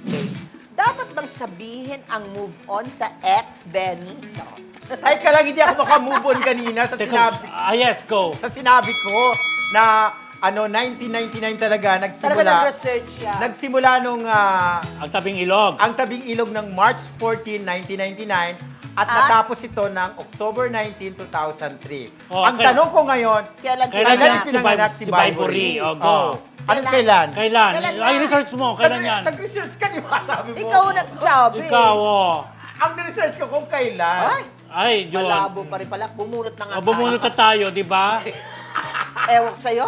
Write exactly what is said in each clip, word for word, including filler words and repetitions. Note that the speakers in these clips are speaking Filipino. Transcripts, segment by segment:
Okay. Dapat bang sabihin ang move on sa ex, Benny? Ay, kalang hindi ako makamove on kanina sa sinabi, Ah, yes, go. sa sinabi ko na ano nineteen ninety-nine talaga Talaga nagsimula. nag-research siya. Nagsimula nung ah, Ang tabing ilog. ang tabing ilog ng March fourteenth, nineteen ninety-nine at At? natapos ito ng October nineteenth, two thousand three. Oh, ang kaya- tanong ko ngayon, Kailan Kailan kailan yan? pinanganak si Si Vibory. Vibory? Oh, go. Oh. Anong Kailan? kailan? Kailan? Kailan Ay, yan? research mo. Kailan Nag- yan? Nag-research ka, di ba? Sabi mo. Ikaw nagsabi. Ikaw, oh. Ang research ko kung kailan. Ay, Ay, John. malabo pa rin pala. Bumunot na nga Oh, bumunot na tayo, di ba? Ewan ko sa'yo.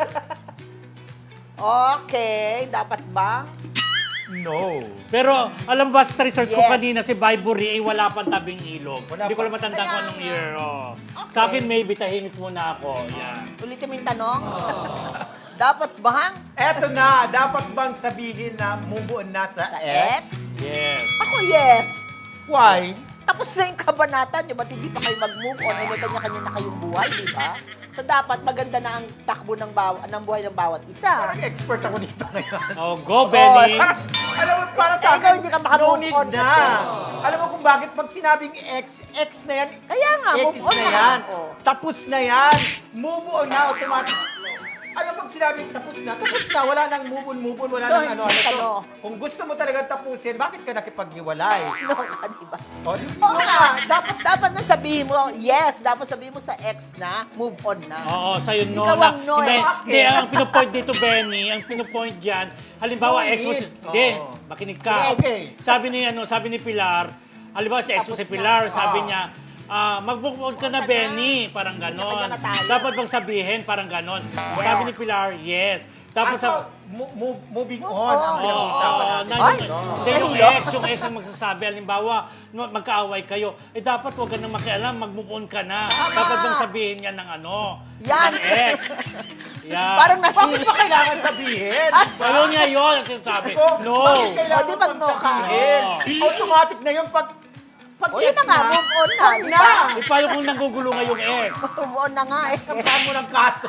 Okay, dapat bang? No. Pero alam ba sa research ko Yes. kanina si Vibory ay wala pang tabing ilog. Wala Hindi ko pa. lang matandaan kung anong year. Oh. Okay. Sa akin, maybe tahimik muna ako. Yan. Ulitin mo yung tanong. Dapat bang Eto na, dapat bang sabihin na move on na sa, sa ex? ex? Yes. Ako, yes. Why? Tapos na yung kabanata nyo, ba't hindi pa kayo mag-move on? Ay, may kanya-kanya na kayong buhay, di ba? So, dapat maganda na ang takbo ng, bawa, ng buhay ng bawat isa. Parang expert ako dito ngayon. Oh, go, Benny. Alam mo, para Eh, sa ikaw akin, hindi ka no makamove need on na. kasi. Alam mo kung bakit pag sinabing ex, ex na yan, Kaya nga, ex move on na na. yan. Oh. Tapos na yan. Move on na, automatic. Alam mo, pag sinabing tapos na, tapos na, wala nang move on, move on, wala So, nang ano, hindi ano. ka, So, no? kung gusto mo talaga tapusin, bakit ka nakipaghiwalay? No ka, di ba? O, di Oo no nga, ka. dapat, dapat na sabihin mo, yes, dapat sabihin mo sa ex na, move on na. Oo, sa'yo no. Ikaw na, ang no, hindi, eh. hindi, ang pinopoint dito, Benny, ang pinopoint dyan, halimbawa, No ex mo si... need. Hindi, Oo. makinig ka. Okay. Sabi ni, ano, sabi ni Pilar, halimbawa si ex mo Tapos si Pilar, na. sabi Oo. niya, ah, mag-move on ka na, Benny. Parang ganon. Kanya-kanya na tayo. Dapat bang sabihin, parang ganon. Sabi ni Pilar, yes. Tapos, Ah, so, sa, mo- move, moving Move on ang on. pinag-uusapan Oo, natin. na, Ay! yung, hindi, yung Ay, no. ex, yung ex ang magsasabi, halimbawa, no, magkaaway kayo, eh dapat huwag ka nang makialam, mag-move on ka na. Dapat bang sabihin yan ng ano? Yan. Ng ex. Yan. Parang Bakit nahil. ba kailangan sabihin? Ayaw niya yun, ang sinasabi. Ko, No. Bakit kailangan O, di ba pang no ka? sabihin? Oo. Automatic na yun pag pag O, yun na ex nga, move on na, wag di na. ba? Eh, paano kung nanggugulo nga yung ex? Move on na nga eh. Sampahan mo ng kaso.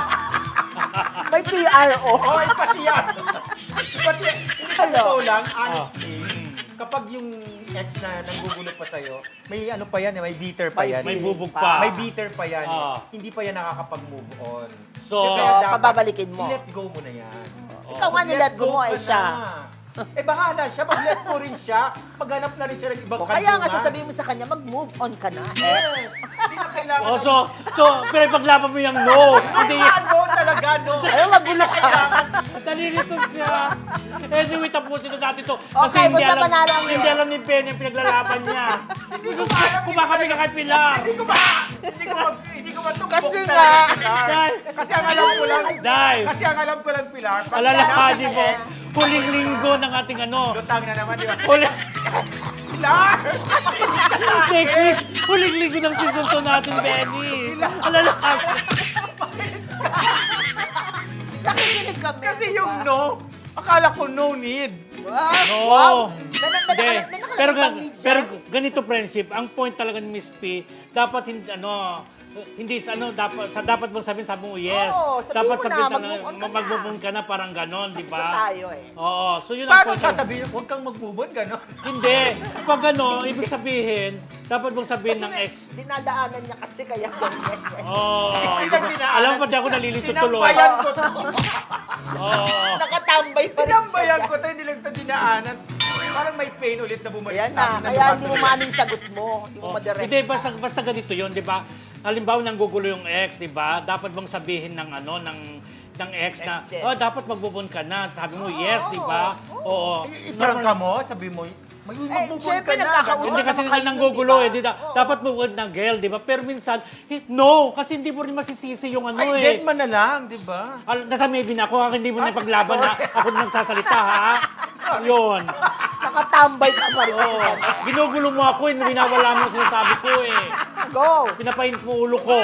May P R O. Oo, oh, pati yan. Pati, hindi sa Hello? totoo lang, honestly, kapag yung ex na nanggugulo pa sa'yo, may ano pa yan, eh, may bitter pa May yan. May eh. bubog pa. May bitter pa yan. eh. Ah. Hindi pa yan nakakapag-move on. So, Kaya dapat, pababalikin mo. I-let go mo na yan. Ikaw nga nilet go mo ay ka siya. na. Eh bahala siya, mag-let go rin siya. Maghanap na rin siya ng ibang O kaya nga kantungan. sasabihin mo sa kanya, mag-move on ka na, ex. Yes. Hindi na kailangan. Oh, so, so, pero ipaglaban mo yung no. Hindi, Ah, no, talaga, no. Ayaw, magulo ka. Kailangan. nalilito siya. Anyway, tapusin na natin to. Kasi Okay, hindi basta alam, manalo ang hindi alam ni Ben yung pinaglalaban niya. Hindi ko ba alam. Kumakami ka kay Pilar. Hindi ko ba? Hindi ko ba? Hindi ko ba tumbok Kasi talaga, nga. Pilar? Dahil- Kasi ang alam ko lang. Dahil, Kasi ang alam ko lang, Pilar. pag alalakadi nasa mo, ex, huling linggo ng ating ano. Lutang na naman, di ba? Huling, Pilar! next week, huling linggo ng season two natin, Benny. Alalakadi. Nakikinig kami. Kasi di ba? yung no, akala ko no need. Wow. No. Wow. May, may, Hindi. may, may nakalagay Pero, bang ga- media? pero ganito friendship, ang point talaga ni Miss P, dapat hindi ano, hindi sa ano dapat sa dapat mong sabihin sabi mo yes. Oo, sabihin dapat mo na, sabihin mag-move on ka na. mag-move on ka na parang ganon, di Isa ba? tayo eh. Oo, so yun ang Paano point. sasabihin, huwag kang mag-move on, gano'n? Hindi. Pag ano, ibig sabihin, dapat mong sabihin Kasi ng may ex. dinadaanan niya kasi kaya ganyan. Oo. Hindi lang dinaanan. Alam mo, pati ako nalilito tuloy. Tinambayan ko to. Oo. Nakatambay pa rin Tinambayan siya. ko to, hindi lang ito dinaanan. Parang may pain ulit na bumalik Ayan sa na, akin. kaya hindi mo maano yung sagot mo. Hindi mo Oh, madirect. Hindi, basta, basta ganito yun, di ba? Halimbawa, nanggugulo yung ex, di ba? Dapat bang sabihin ng ano, ng ng ex na, Ex din. oh, dapat magbubon ka na. Sabi mo, yes, di ba? Oo. Iparang ka mo, sabi mo, may Eh, mag-move on syempre, ka na. nagkakausap Hindi kasi naman kayo, nanggugulo di ba? eh. Di, da- dapat move on ng girl, di ba? Pero minsan, eh, no, kasi hindi mo rin masisisi yung ano Ay, eh. dead man na lang, di ba? Al- nasa maybe na ako, hindi mo na ipaglaban na ako nagsasalita, ha? Yun. Nakatambay ka pa rin. Oo. Ginugulo mo ako eh, winawala mo yung sinasabi ko eh. Go! Pinapainit mo ulo ko.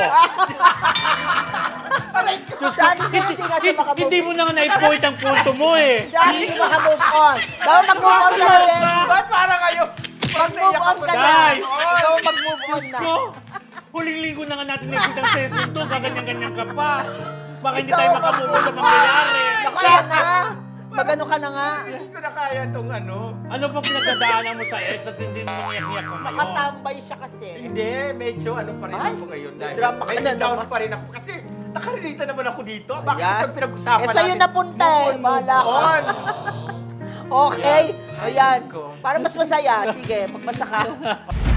Siya, hindi siya, hindi nga siya Hindi, makamove hindi mo na nga na-point ang punto mo eh. Siya, hindi makamove on. Daw mag-move on ka na rin. Ba't parang kayo? Mag-move on ka na. Dai. Daw mag-move on na. Ko, huling linggo na nga natin nagkita sa season two, gaganyan-ganyan ka pa. Baka hindi Ikaw tayo ang makamove mag-move sa mangyayari. Naku, yan na. Magano ka na nga. Hindi ko na kaya itong ano. Ano bang pinagdadaanan mo sa ex at hindi mo mangiyak-iyak ka ngayon? Nakatambay siya kasi. Hindi, medyo ano pa rin Ay, ako ngayon. Dahil drama ka medyo na down naman. pa rin ako. Kasi nakarelita naman ako dito. Bakit Ayan. ito pinag-usapan Eh, sa'yo napunta eh. Move on, Bahala move ka. on. Okay. Ay, Ayan. Diyos ko. Para mas masaya. Sige, magbasa ka.